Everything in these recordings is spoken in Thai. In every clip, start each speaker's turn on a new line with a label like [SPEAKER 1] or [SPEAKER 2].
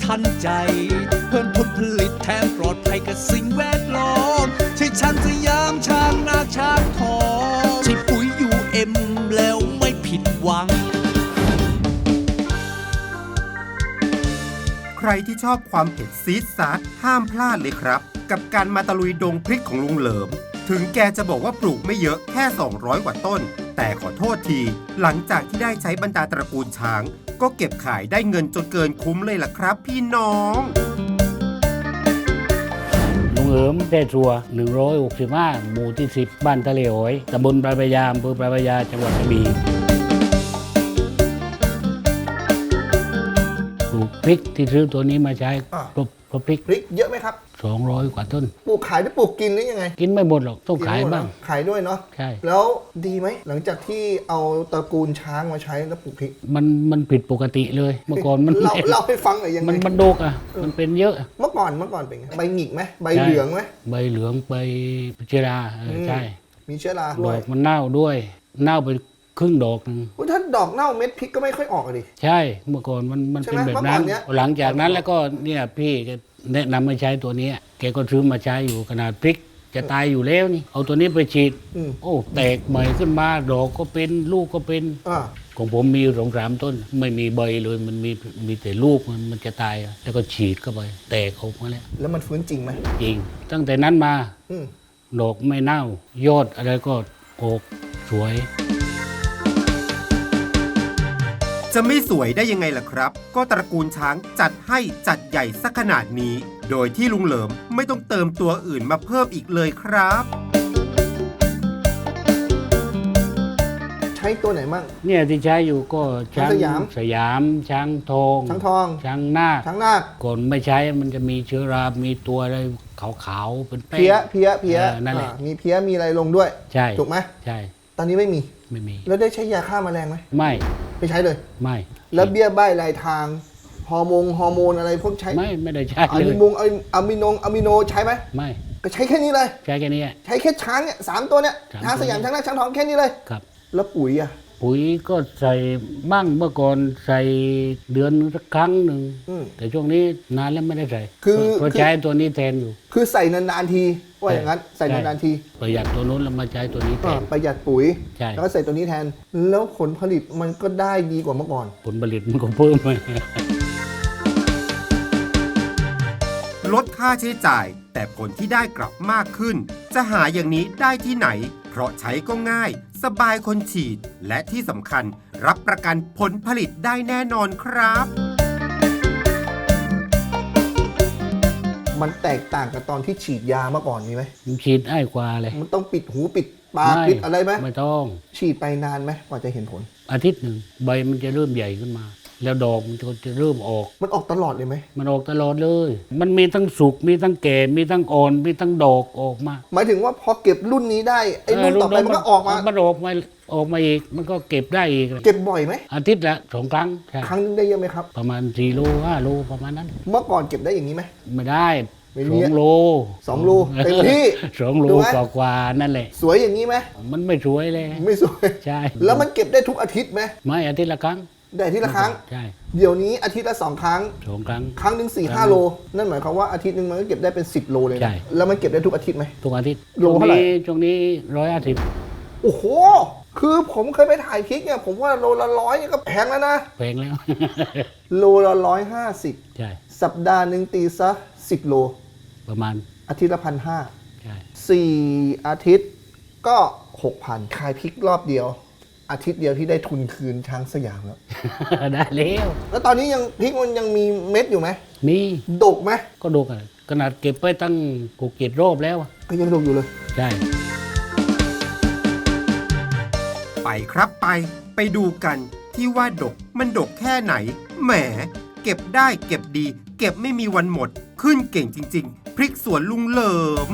[SPEAKER 1] ทันใจเพิ่มผลผลิตแถมปลอดภัยกับสิ่งแวดล้อมใช่ช้างสยามช้างนาช้างทองใช่ปุ๋ยUMแล้วไม่ผิดหวัง
[SPEAKER 2] ใครที่ชอบความเผ็ดซีดซาร์ห้ามพลาดเลยครับกับการมาตะลุยดงพริกของลุงเหลิมถึงแกจะบอกว่าปลูกไม่เยอะแค่200กว่าต้นแต่ขอโทษทีหลังจากที่ได้ใช้บรรดาตระกูลช้างก็เก็บขายได้เงินจนเกินคุ้มเลยล่ะครับพี่น้อง
[SPEAKER 3] ลุงเหลิมได้ชัว165หมู่ที่10บ้านทะเลหอยตำบลปลายพระยาอำเภอปลายพระยาจังหวัดกระบี่ปลูกพริกที่ซื้อตัวนี้มาใช้ครบพริก
[SPEAKER 4] เยอะไหมครับ
[SPEAKER 3] 200กว่าต้น
[SPEAKER 4] ปลูกขายหรือปลูกกินหรือยังไง
[SPEAKER 3] กินไม่หมดหรอกต้องขายบ้าง
[SPEAKER 4] ขายด้วยเนาะ
[SPEAKER 3] ใช่
[SPEAKER 4] แล้วดีไหมหลังจากที่เอาตระกูลช้างมาใช้แล้วปลูกพริก
[SPEAKER 3] มันผิดปกติเลยเมื่อก่อนมัน
[SPEAKER 4] เล่าให้ฟังหน่อยยังไง
[SPEAKER 3] มันโดกอ่ะมันเป็นเยอะ
[SPEAKER 4] เมื่อก่อนเป็นไงใบหงิกไหมใบเหลืองไหม
[SPEAKER 3] ใบเหลืองใบเชื้อราใช่
[SPEAKER 4] มีเชื้อรา
[SPEAKER 3] ดอกมันเน่าด้วยเน่าไปครึ่งดอกนึง
[SPEAKER 4] ถ้าดอกเน่าเม็ดพริกก็ไม่ค่อยออกเลย
[SPEAKER 3] ใช่เมื่อก่อนมันเป็นแบบนั้นหลังจากนั้นแล้วก็เนี่ยพี่แนะนำมาใช้ตัวนี้แกก็ซื้อมาใช้อยู่ขนาดพริกจะตายอยู่แล้วนี่เอาตัวนี้ไปฉีดโอ้แตกใหม่ขึ้นมาดอกก็เป็นลูกก็เป็นของผมมี2-3ต้นไม่มีใบเลยมันมีแต่ลูกมันจะตายแล้วก็ฉีดเข้าไปแตกออกมา
[SPEAKER 4] แล้วมันฟื้นจริงไหม
[SPEAKER 3] จริงตั้งแต่นั้นมาดอกไม่เน่ายอดอะไรก็ออกสวย
[SPEAKER 2] จะไม่สวยได้ยังไงล่ะครับก็ตระกูลช้างจัดให้จัดใหญ่สักขนาดนี้โดยที่ลุงเหลิมไม่ต้องเติมตัวอื่นมาเพิ่มอีกเลยครับ
[SPEAKER 4] ใช้ตัวไหนมั่ง
[SPEAKER 3] เนี่ยที่ใช้อยู่ก็ช้างสยามช้างทองช้างนาคก่อนไม่ใช้มันจะมีเชื้อรามีตัวอะไรขาวๆเป็นแป้ง
[SPEAKER 4] เพี้ย
[SPEAKER 3] นั่นแหละ
[SPEAKER 4] มีเพี้ยมีอะไรลงด้วย
[SPEAKER 3] ใช่
[SPEAKER 4] ถูกไหม
[SPEAKER 3] ใช่
[SPEAKER 4] ตอนนี้ไม่มีแล้วได้ใช้ยาฆ่าแมลงไหมไม่ใช้เลย
[SPEAKER 3] ไม่
[SPEAKER 4] แล้วเบี้ยใบ้รายทางฮอร์โมนอะไรพวกใช้
[SPEAKER 3] ไม่ได้ใช้
[SPEAKER 4] เลยอะมิโนใช้ไหม
[SPEAKER 3] ไม่
[SPEAKER 4] ก็ใช้แค่นี้เลย
[SPEAKER 3] ใช้แค่นี้
[SPEAKER 4] ใช้แค่ช้างเนี่ย3ตัวเนี่ยช้างสยามช้างนาคช้างทองแค่นี้เลย
[SPEAKER 3] ครับ
[SPEAKER 4] แล้วปุ๋ย
[SPEAKER 3] ก็ใส่บ้างเมื่อก่อนใส่เดือนสักครั้งหนึ่งแต่ช่วงนี้นานแล้วไม่ได้ใส่เพราะใช้ตัวนี้แทนอยู่
[SPEAKER 4] คือใส่นานๆทีว่าอย่างนั้นใส่นานๆที
[SPEAKER 3] ประหยัดตัวนู้นแล้วมาใช้ตัวนี้แทน
[SPEAKER 4] ประหยัดปุ๋ยแล้วก็ใส่ตัวนี้แทนแล้วผลผลิตมันก็ได้ดีกว่าเมื่อก่อน
[SPEAKER 3] ผลผลิตมันก็เพิ่มไป
[SPEAKER 2] ลดค่าใช้จ่ายแต่ผลที่ได้กลับมากขึ้นจะหาอย่างนี้ได้ที่ไหนเพราะใช้ก็ง่ายสบายคนฉีดและที่สำคัญรับประกันผลผลิตได้แน่นอนครับ
[SPEAKER 4] มันแตกต่างกับตอนที่ฉีดยาเมื่อก่อนมีไหม
[SPEAKER 3] ฉีดง่ายกว่าเลย
[SPEAKER 4] มันต้องปิดหูปิดปากปิดอะไรไหม
[SPEAKER 3] ไม่ต้อง
[SPEAKER 4] ฉีดไปนานไหมกว่าจะเห็นผล
[SPEAKER 3] อาทิตย์หนึ่งใบมันจะเริ่มใหญ่ขึ้นมาแล้วดอกมันจะเริ่มออก
[SPEAKER 4] มันออกตลอดเลยไหม
[SPEAKER 3] มันออกตลอดเลยมันมีทั้งสุกมีทั้งแก่มีทั้งอ่อนมีทั้งดอกออกมา
[SPEAKER 4] หมายถึงว่าพอเก็บรุ่นนี้ได้ไอ้รุ่นต่อไปมันก็ออกมา
[SPEAKER 3] มันออกมาอีกมันก็เก็บได้อีก
[SPEAKER 4] เก็บบ่อยไหม
[SPEAKER 3] อาทิตย์ละ2 ครั้ง
[SPEAKER 4] ครั้งนึงได้เยอะไหมครับ
[SPEAKER 3] ประมาณ4 โล 5 โลประมาณนั้น
[SPEAKER 4] เมื่อก่อนเก็บได้อย่างนี้ไหม
[SPEAKER 3] ไม่ได้2 โล
[SPEAKER 4] เต็มที่
[SPEAKER 3] 2 โลกว่านั่นแหละ
[SPEAKER 4] สวยอย่างนี้ไหม
[SPEAKER 3] มันไม่สวยเลย
[SPEAKER 4] ไม่สวย
[SPEAKER 3] ใช่
[SPEAKER 4] แล้วมันเก็บได้ทุกอาทิตย์ไหม
[SPEAKER 3] ไม่อาทิตย์ละครั้ง
[SPEAKER 4] ได้อาทิตย์ละครั้ง
[SPEAKER 3] ใช่
[SPEAKER 4] เดี๋ยวนี้อาทิตย์ละ2 ครั้งครั้งนึง 4-5 โลนั่นหมายความว่าอาทิตย์นึงมันก็เก็บได้เป็น10 โลเลยนะแล้วมันเก็บได้ทุกอาทิตย์ไหม
[SPEAKER 3] ทุกอาทิตย์
[SPEAKER 4] โลเท่าไหร่
[SPEAKER 3] ช่วงนี้150
[SPEAKER 4] โอ้โหคือผมเคยไปถ่ายพริกเนี่ยผมว่าโลละ100เนี่ยก็แพงแล้วนะ
[SPEAKER 3] แพงแล้ว
[SPEAKER 4] โลละ150
[SPEAKER 3] ใช่
[SPEAKER 4] สัปดาห์นึงตีซะ10 โล
[SPEAKER 3] ประมาณ
[SPEAKER 4] อาทิตย์ละ1,500
[SPEAKER 3] ใช่
[SPEAKER 4] 4 อาทิตย์ก็ 6,000 ขายพริกรอบเดียวอาทิตย์เดียวที่ได้ทุนคืนช้างสยามแล้ว
[SPEAKER 3] ได้
[SPEAKER 4] แล้วตอนนี้ยังพริกมันยังมีเม็ดอยู่ไหม
[SPEAKER 3] มี
[SPEAKER 4] ดกไหม
[SPEAKER 3] ก็ดกอ่ะขนาดเก็บไปตั้ง6-7 รอบแล้ว
[SPEAKER 4] ก็ยังดกอยู่เลย
[SPEAKER 3] ใช่
[SPEAKER 2] ไปครับไปดูกันที่ว่าดกมันดกแค่ไหนแหมเก็บได้เก็บดีเก็บไม่มีวันหมดขึ้นเก่งจริงๆพริกสวนลุงเหลิม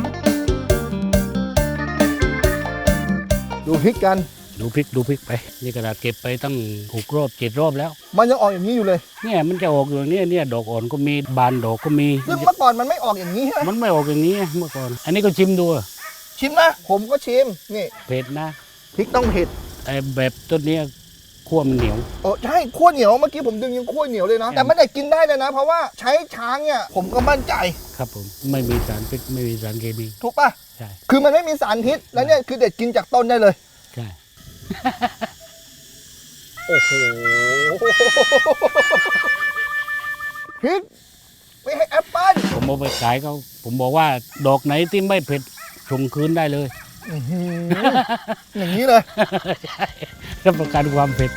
[SPEAKER 4] ดูพริกกัน
[SPEAKER 3] ดูพริกไปนี่กระดาษเก็บไปตั้ง6 รอบ 7 รอบแล้ว
[SPEAKER 4] มันยังออกอย่างนี้อยู่เลย
[SPEAKER 3] เนี่ยมันจะออกอย่างนี้เนี่ยดอกอ่อนก็มีบานดอกก็มี
[SPEAKER 4] ซึ่งเมื่อก่อนมันไม่ออกอย่างนี้ใช่ไหม
[SPEAKER 3] มันไม่ออกอย่างนี้เมื่อก่อนอันนี้ก็ชิมดู
[SPEAKER 4] ชิมนะผมก็ชิมนี่
[SPEAKER 3] เผ็ดนะ
[SPEAKER 4] พริกต้องเผ็ด
[SPEAKER 3] แบบต้นนี้ขั้วมันเหนียว
[SPEAKER 4] โอ้ใช่ขั้วเหนียวเมื่อกี้ผมดึงยังขั้วเหนียวเลยนะแต่ไม่ได้กินได้เลยนะ เพราะว่าใช้ช้างเนี่ยผมก็มั่นใจ
[SPEAKER 3] ครับผมไม่มีสารพิษไม่มีสารเคมี
[SPEAKER 4] ถูกป่ะ
[SPEAKER 3] ใช่
[SPEAKER 4] คือมันไม่มีสารพิษแล้วเนี่ยคือเด็ดกินจากต้นได้เลย
[SPEAKER 3] ใช่
[SPEAKER 4] โอ้โหพริกไม่ให้แอปเปิ้ล
[SPEAKER 3] ผมเอาไปขายเขาผมบอกว่าดอกไหนที่ไม่เผ็ดส่งคืนได้เลย
[SPEAKER 4] อื้อหืออย่างนี้เลย
[SPEAKER 3] ใช่รับประกันความเผ็ด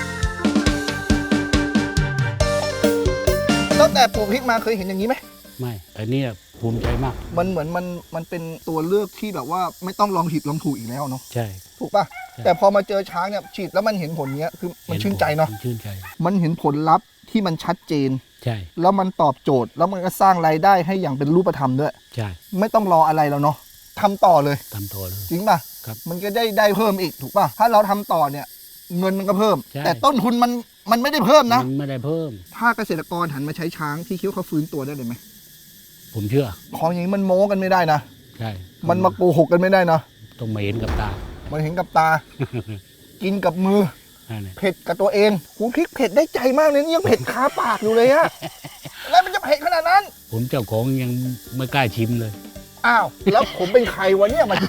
[SPEAKER 4] ตั้งแต่ปลูกพริกมาเคยเห็นอย่างนี้ไหม
[SPEAKER 3] ไม่อันเนี้ยภูมิใจมาก
[SPEAKER 4] มันเหมือนมันเป็นตัวเลือกที่แบบว่าไม่ต้องลองผิดลองถูกอีกแล้วเนาะ
[SPEAKER 3] ใช่
[SPEAKER 4] ถูกป่ะ
[SPEAKER 3] ใช่
[SPEAKER 4] แต่พอมาเจอช้างเนี่ยฉีดแล้วมันเห็นผลเนี้ยคือมันชื่นใจเนาะ
[SPEAKER 3] มัชื่นใจ
[SPEAKER 4] มันเห็นผลลัพธ์ที่มันชัดเจน
[SPEAKER 3] ใช่
[SPEAKER 4] แล้วมันตอบโจทย์ แล้วมันก็สร้างรายได้ให้อย่างเป็นรูปธรรมด้วย
[SPEAKER 3] ใช่
[SPEAKER 4] ไม่ต้องรออะไรแล้วเนาะทำต่อเลย
[SPEAKER 3] ตามตัวเลย
[SPEAKER 4] จริงป่ะ
[SPEAKER 3] ครับ
[SPEAKER 4] มันก็ได้เพิ่มอีกถูกป่ะ ถ้าเราทำต่อเนี่ย เงินมันก็เพิ่ม
[SPEAKER 3] ใช่
[SPEAKER 4] แต่ต้นทุนมันไม่ได้เพิ่มนะ
[SPEAKER 3] มันไม่ได้เพิ่ม
[SPEAKER 4] ถ้าเกษตรกรหันมาใช้ช้างที่คิดว่าเขาฟื้นตัวได้เลยไหม
[SPEAKER 3] ผมเชื่อ
[SPEAKER 4] ของอย่างนี้มันโม้กันไม่ได้นะ
[SPEAKER 3] ใช่
[SPEAKER 4] มันมาโกหกกันไม่ได้นะ
[SPEAKER 3] ต้องมาเห็นกับตา
[SPEAKER 4] มันเห็นกับตา กินกับมือ
[SPEAKER 3] นั่นแหละ
[SPEAKER 4] เผ็ดกับตัวเองหูพริกเผ็ดได้ใจมากเลยนี่ยังเผ็ดคาปากอยู่เลยอะแล้วมันจะเผ็ดขนาดนั้น
[SPEAKER 3] ผมเจ้าของยังไม่กล้าชิมเลย
[SPEAKER 4] อ้าว แล้วผมเป็นใครวะเนี่ยมัน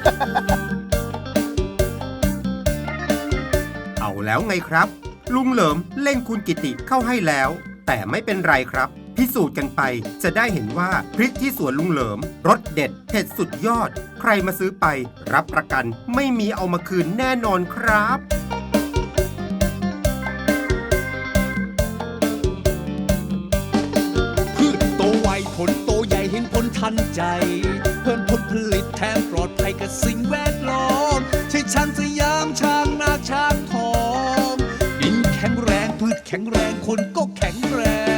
[SPEAKER 2] เอาแล้วไงครับ ลุงเหลิมเล่นคุณกิติเข้าให้แล้ว แต่ไม่เป็นไรครับ พิสูจน์กันไปจะได้เห็นว่าพริกที่สวนลุงเหลิมรสเด็ดเผ็ดสุดยอด ใครมาซื้อไป รับประกันไม่มีเอามาคืนแน่นอนครับ
[SPEAKER 1] พืชโตไวผลโตใหญ่เห็นผลทันใจ เพิ่มผลผลิตแถมปลอดภัยกับสิ่งแวดล้อมใช่ช้างสยามช้างนาช้างทองดินแข็งแรงพืชแข็งแรงคนก็แข็งแรง